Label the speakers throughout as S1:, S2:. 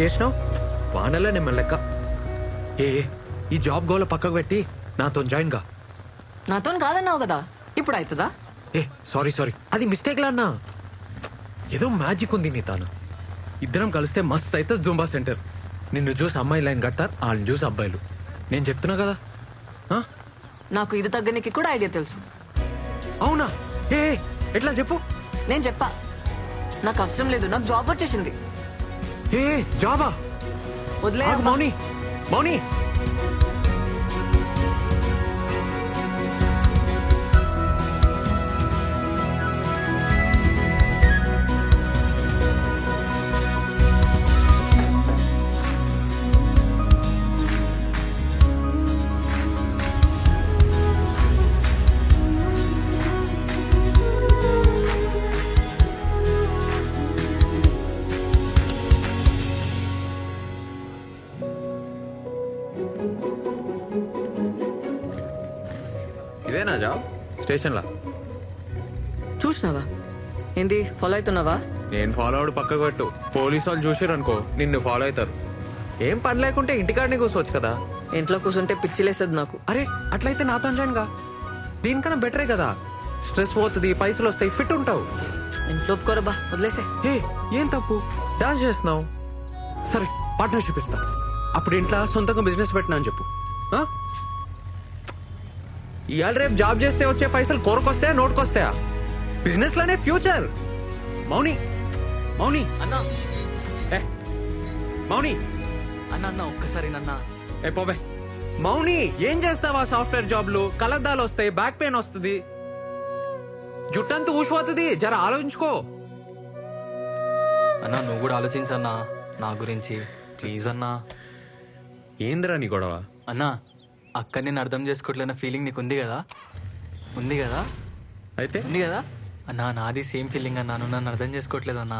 S1: చేసినావు వానల్లా నేను లెక్క. ఏ ఈ జాబ్ గోల పక్కకు పెట్టి నాతో జాయిన్ గా.
S2: నాతో కాదన్నావు కదా, ఇప్పుడు అవుతుందా?
S1: ఏ సారీ అది మిస్టేక్ లా అన్నా. ఏదో మ్యాజిక్ ఉంది నీ తాను. ఇద్దరం కలిస్తే మస్త్ అయితే జూంబా సెంటర్. నిన్ను చూసి అమ్మాయి లైన్ కడతారు, వాళ్ళని చూసి అబ్బాయిలు. నేను చెప్తున్నా కదా.
S2: నాకు ఇది తగ్గనికి కూడా ఐడియా తెలుసు.
S1: అవునా? ఏ ఎట్లా చెప్పు.
S2: నేను చెప్పా, నాకు అవసరం లేదు, నాకు జాబ్ వచ్చేసింది.
S1: ఏ జాబా?
S2: వదిలే
S1: మౌని మౌని ఇదేనా జాబ్? స్టేషన్లా
S2: చూసినావా? ఏంది ఫాలో అవుతున్నావా?
S1: నేను ఫాలో అవడు పక్కకు పెట్టు. పోలీసు వాళ్ళు చూసారు అనుకో నిన్ను ఫాలో అవుతారు. ఏం పని లేకుంటే ఇంటికాడనే కూర్చోవచ్చు కదా.
S2: ఇంట్లో కూర్చుంటే పిచ్చిలేసేది నాకు.
S1: అరే అట్లయితే నాతో జాయిన్ గా. దీనికన్నా బెటరే కదా. స్ట్రెస్ పోతుంది, పైసలు వస్తాయి, ఫిట్ ఉంటావు.
S2: ఇంట్లో ఒప్పుకోరా బా, వదిలేసే.
S1: ఏ ఏం తప్పు, డాన్స్ చేస్తున్నావు. సరే పార్ట్నర్షిప్ ఇస్తా. అప్పుడు ఇంట్లో సొంతంగా బిజినెస్ పెట్టినా అని చెప్పు. ఇవాళ రేపు జాబ్ చేస్తే వచ్చే పైసలు కోరకొస్తాయా, నోటుకొస్తాయా? బిజినెస్ లోనే ఫ్యూచర్. మౌని మౌని
S2: అన్నా,
S1: ఏ మౌని
S2: అన్న ఒక్కసారి నన్న.
S1: ఏ పోబే. మౌని ఏం చేస్తావా? సాఫ్ట్వేర్ జాబ్లు కలద్దాలు వస్తాయి, బ్యాక్ పెయిన్ వస్తుంది, జుట్టంతా ఊసిపోతుంది. జర ఆలోచించుకో.
S3: అన్నా నువ్వు కూడా ఆలోచించన్నా నా గురించి, ప్లీజ్ అన్నా.
S1: ఏందిరా నీ గొడవ?
S3: అన్నా అక్క నేను అర్థం చేసుకోవట్లేన ఫీలింగ్ నీకు ఉంది కదా? ఉంది కదా?
S1: అయితే
S3: ఉంది కదా అన్నా? నాది సేమ్ ఫీలింగ్ అన్నా, నువ్వు నన్ను అర్థం చేసుకోవట్లేదన్నా.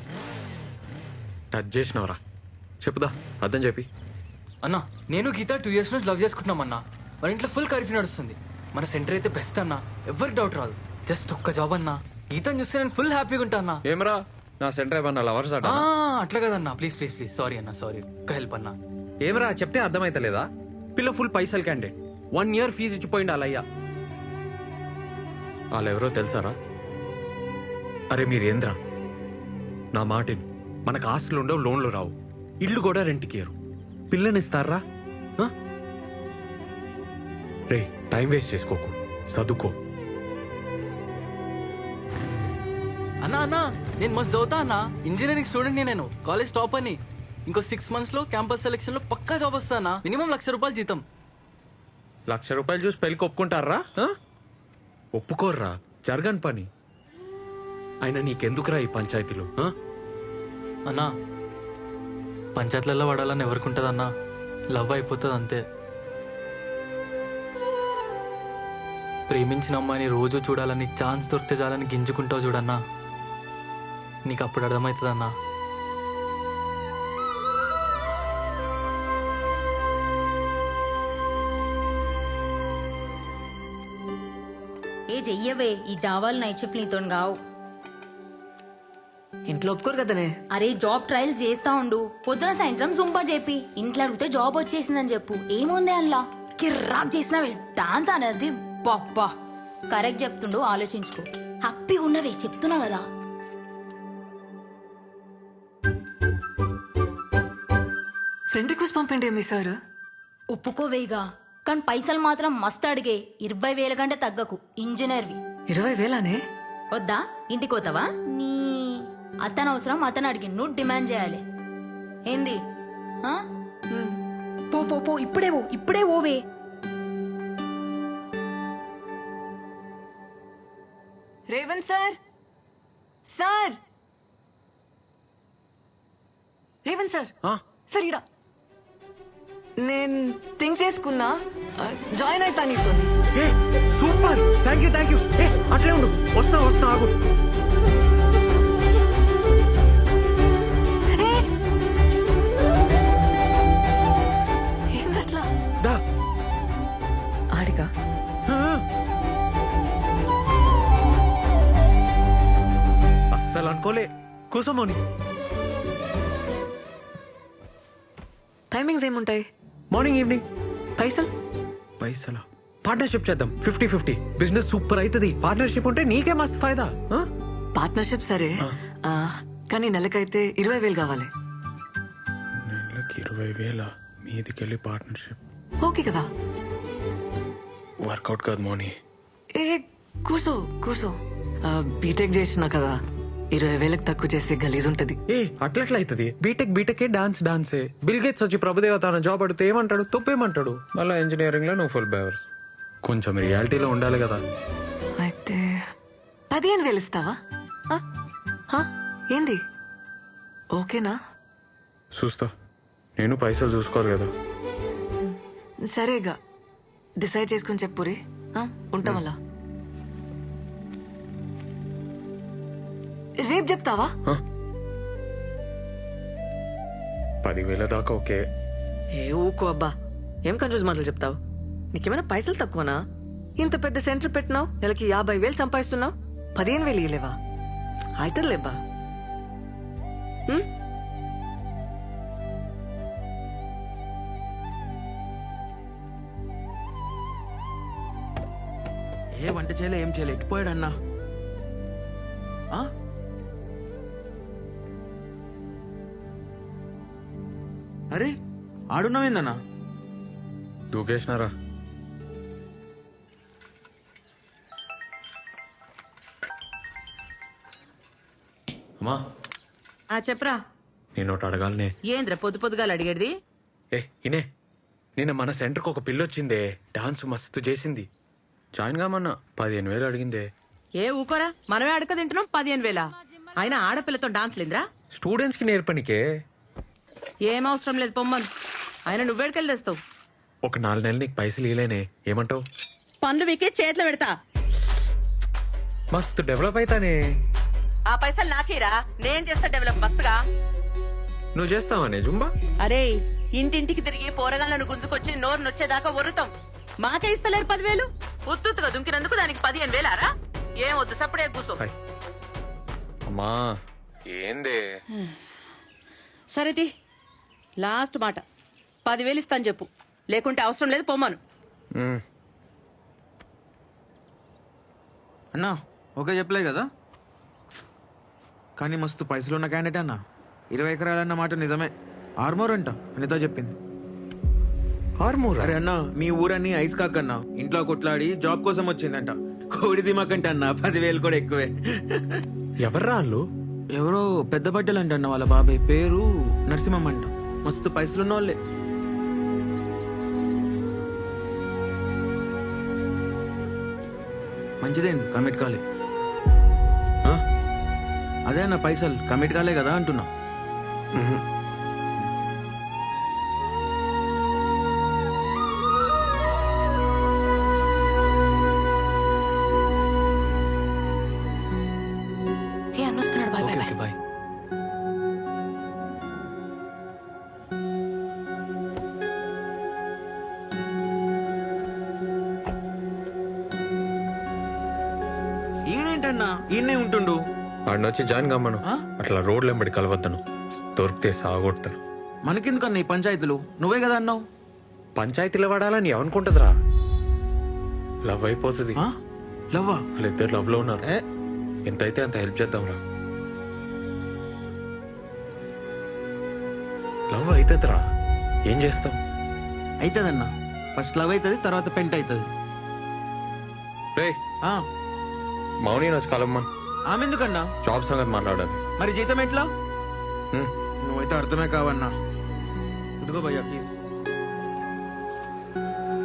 S1: టచ్ చేసినవరా? చెప్పుదా, అర్థం చెప్పి.
S3: అన్నా నేను గీత 2 years నుంచి లవ్ చేసుకుంటున్నామన్నా. మన ఇంట్లో ఫుల్ కర్ఫ్యూ నడుస్తుంది. మన సెంటర్ అయితే బెస్ట్ అన్నా, ఎవరికి డౌట్ రాదు. జస్ట్ ఒక్క జాబ్ అన్నా, గీతను చూస్తే నేను ఫుల్ హ్యాపీగా ఉంటా అన్నా.
S1: ఏమరా నా సెంటర్ ఏమన్నా లవర్స్ అట?
S3: అట్లా కదన్నా, ప్లీజ్ ప్లీజ్ ప్లీజ్. సారీ అన్నా, సారీ. ఒక్క హెల్ప్ అన్నా.
S1: ఏమరా చెప్తే అర్థమైతలేదా? పిల్ల ఫుల్ పైసలు క్యాండిడేట్, 1 year ఫీజు ఇచ్చిపోయింది వాళ్ళయ్యా. వాళ్ళెవరో తెలుసారా? అరే మీరేంద్రా, నా మాటిని. మనకు ఆస్తులు ఉండవు, లోన్లు రావు, ఇల్లు కూడా రెంట్కి ఇయ్యరు. పిల్లనిస్తారా? రే టైం వేస్ట్ చేసుకోకు, చదువుకో.
S3: అన్నా అన్నా నేను మస్తు చదువుతా అన్నా. ఇంజనీరింగ్ స్టూడెంట్ నేను, కాలేజ్ టాప్ అని. ఇంకో 6 months లో క్యాంపస్ సెలెక్షన్ లో పక్కా జాబ్ వస్తానా. మినిమం ₹1,00,000 జీతం.
S1: ₹1,00,000 చూసి పెళ్లికి ఒప్పుకుంటారా? ఒప్పుకోర్రా, జరగని పని. అయినా నీకెందుకురా ఈ పంచాయతీలు?
S3: అన్నా పంచాయతీలలో పడాలని ఎవరికి ఉంటుంది అన్నా? లవ్ అయిపోతుంది అంతే. ప్రేమించిన అమ్మాయిని రోజు చూడాలని, ఛాన్స్ దొరికితే చాలని గింజుకుంటావు చూడన్నా. నీకు అప్పుడు అర్థమవుతుంది అన్నా.
S4: ఏ చెయ్యవే, ఈ జావాలు నైట్ షిఫ్ట్ నీతో గావు.
S2: ఇంట్లో ఒప్పుకోరు కదనే.
S4: అరే జాబ్ ట్రయల్స్ చేస్తా ఉండు, పొద్దున సాయంత్రం జుంపా చెప్పి ఇంట్లో అడిగితే జాబ్ వచ్చేసిందని చెప్పు. ఏముంది అల్లా కిర్రాక్ చేసినవే డాన్స్ అనేది. బాబ్బా కరెక్ట్ చెప్తుండు, ఆలోచించుకో. హ్యాపీగా ఉన్నవే చెప్తున్నా కదా.
S2: ఫ్రెండ్ రిక్వెస్ట్ పంపండి మీ సార్.
S4: ఒప్పుకోవేగా, కానీ పైసలు మాత్రం మస్తు అడిగే. 20,000 కంటే తగ్గకు. ఇంజనీర్వి.
S2: 20,000నే?
S4: వద్దా? ఇంటికి పోతావా? నీ అతను అవసరం, అతను అడిగి నువ్వు డిమాండ్ చేయాలి. ఏంది? పో పో పో, ఇప్పుడే ఓవే.
S2: Revanth sir, sir Revanth sir, sir ఇడా నేను థింక్ చేసుకున్నా, జాయిన్ అవుతా నీతో.
S1: Super, thank you. అట్లే ఉండు, వస్తా ఆగు.
S2: ఏందట్లా?
S1: దా
S2: ఆడిగా
S1: అస్సలు అనుకోలే. కూసోమోని
S2: టైమింగ్స్ ఏముంటాయి?
S1: Morning evening.
S2: పైసలు?
S1: పైసలా? పార్ట్నర్షిప్ చేద్దాం 50-50. బిజినెస్ సూపర్ అవుతుంది. పార్ట్నర్షిప్ ఉంటే నీకే మస్తు ఫైదా. ఆ?
S2: పార్ట్నర్షిప్ సరే, కానీ నెలకైతే 20,000 కావాలి.
S1: నెలకి 20,000 మీదికెళ్ళి పార్ట్నర్షిప్
S2: ఓకే కదా?
S1: వర్కౌట్ కాదు మోని.
S2: ఏ కూర్చో కూర్చో. బీటెక్ చేసినా కదా, 20,000 తక్కువ చేస్తే గలీజ్ ఉంటది.
S1: ఏ అట్లట్లా అవుతుంది. బీటెక్ డాన్సే. బిల్ గేట్స్ వచ్చి ప్రభుదేవ తన జాబ్ అడిగితే ఏమంటాడు? తొప్పేమంటాడు. మళ్ళీ ఇంజనీరింగ్ లో నువ్వు ఫుల్ బేవర్స్. కొంచెం రియాలిటీలో ఉండాలి కదా.
S2: అయితే 15,000 ఇస్తావా? ఆ? ఆ? ఏంది? ఓకేనా?
S1: చూస్తా. నేను పైసలు చూసుకోవాలి కదా.
S2: సరేగా, డిసైడ్ చేసుకుని చెప్పురి. ఉంటాం అలా. రేపు చెప్తావా?
S1: 10,000 దాకా ఓకే.
S2: ఏ ఊకో అబ్బా, ఏం కన్ఫ్యూజ్ మాటలు చెప్తావు? నీకేమైనా పైసలు తక్కువనా? ఇంత పెద్ద సెంటర్ పెట్టినావు, నెలకి 50,000 సంపాదిస్తున్నావు, 15,000 ఇయ్యలేవా? అవుతుందిలేబ్బా.
S5: ఏ వంట చేయలే, ఏం చేయలే, ఎట్టిపోయాడన్నా? అరే ఆడున్నావేందన్నా?
S1: దూకేసినారా? అమ్మా
S6: చెప్పరా.
S1: నేను ఒకటి అడగాలనే.
S6: ఏంద్ర పొద్దు పొద్దుగాలు అడిగేది?
S1: ఇనే నిన్న మన సెంటర్కి ఒక పిల్ల వచ్చిందే. డాన్స్ మస్తు చేసింది. జాయిన్ కామన్నా 15,000 అడిగిందే.
S6: ఏ ఊకోరా, మనమే అడక తింటున్నాం. 15,000 అయినా ఆడపిల్లతో డాన్స్ లేదురా?
S1: స్టూడెంట్స్ కి నేర్పనికే.
S6: ఏం అవసరం లేదు, పొమ్మను. ఆయన నువ్వేడికెళ్ళి తెస్తావు?
S1: ఒక 4 నెలలు నీకు పైసలు ఇలేనే, ఏమంటావు?
S6: పనులు మీకే చేతిలో పెడతా.
S1: మస్తు డెవలప్ అవుతానే.
S6: ఆ పైసలు నాకేరా, నేను చేస్తా డెవలప్ మస్తుగా.
S1: నువ్వు చేస్తావానే జుంబా?
S6: అరే, ఇంటింటికి తిరిగి పోరగాళ్ళను గుంజుకొచ్చి నోరు నొచ్చేదాకా ఒరుతాం. మాకే ఇస్తలేరు 10,000. ఉత్తుగా దుంకినందుకు దానికి 15,000రా? ఏం వద్దు, సప్పుడే కూర్చో.
S1: హాయ్. అమ్మా ఏందే?
S6: సరేది, లాస్ట్ మాట. 10,000 ఇస్తాను చెప్పు, లేకుంటే అవసరం లేదు, పొమ్మను.
S5: అన్నా ఓకే చెప్పలే కదా, కానీ మస్తు పైసలు ఉన్న క్యాండిడేట్ అన్న. 20 ఎకరాలన్న మాట నిజమే. ఆర్మోర్ అంట అనిత చెప్పింది.
S1: ఆర్మూర్?
S5: అరే అన్న, మీ ఊరన్నీ ఐస్ కాక్ అన్న. ఇంట్లో కొట్లాడి జాబ్ కోసం వచ్చిందంట. కోడి దిమాకంట అన్న, 10,000 కూడా ఎక్కువే.
S1: ఎవర్రా వాళ్ళు?
S5: ఎవరో పెద్ద బట్టలు అంట అన్న. వాళ్ళ బాబాయ్ పేరు నరసింహం అంట. మస్తు పైసలున్న వాళ్ళే. మంచిదేంది, కమిట్ కాలే. అదే అన్న, పైసలు కమిట్ కాలే కదా అంటున్నా.
S4: ఏ అన్నొస్తున్నాడు. Bye bye
S1: okay
S4: bye.
S1: Bye.
S5: ఈయనేంటన్నా ఈయనే ఉంటుండు?
S1: వాడిని వచ్చి జాయిన్ కమ్మను. అట్లా రోడ్లు వెంబడి కలవద్దను, దొరికితే సాగొడతాను.
S5: మనకెందుకన్నా ఈ పంచాయతీలు? నువ్వే కదా అన్నావు.
S1: పంచాయతీలో వాడాలని ఏమనుకుంటుందిరా? లవ్ అయిపోతుంది.
S5: లవ్వా?
S1: వాళ్ళిద్దరు లవ్ లో ఉన్నారు. ఎంతైతే అంత హెల్ప్ చేద్దాంరా. లవ్ అవుతుందిరా, ఏం చేస్తాం?
S5: అవుతుందన్నా. ఫస్ట్ లవ్ అవుతుంది, తర్వాత పెంట్ అవుతుంది.
S1: రే మౌని వచ్చి కలమ్మన్.
S5: ఆమె ఎందుకన్నా?
S1: జాబ్ సంగతి మాట్లాడాలి.
S5: మరి జీతం ఎట్లా?
S1: హ్మ్.
S5: నువ్వైతే అర్థమే కావన్నా. ఇదిగో భయ్యా ప్లీజ్.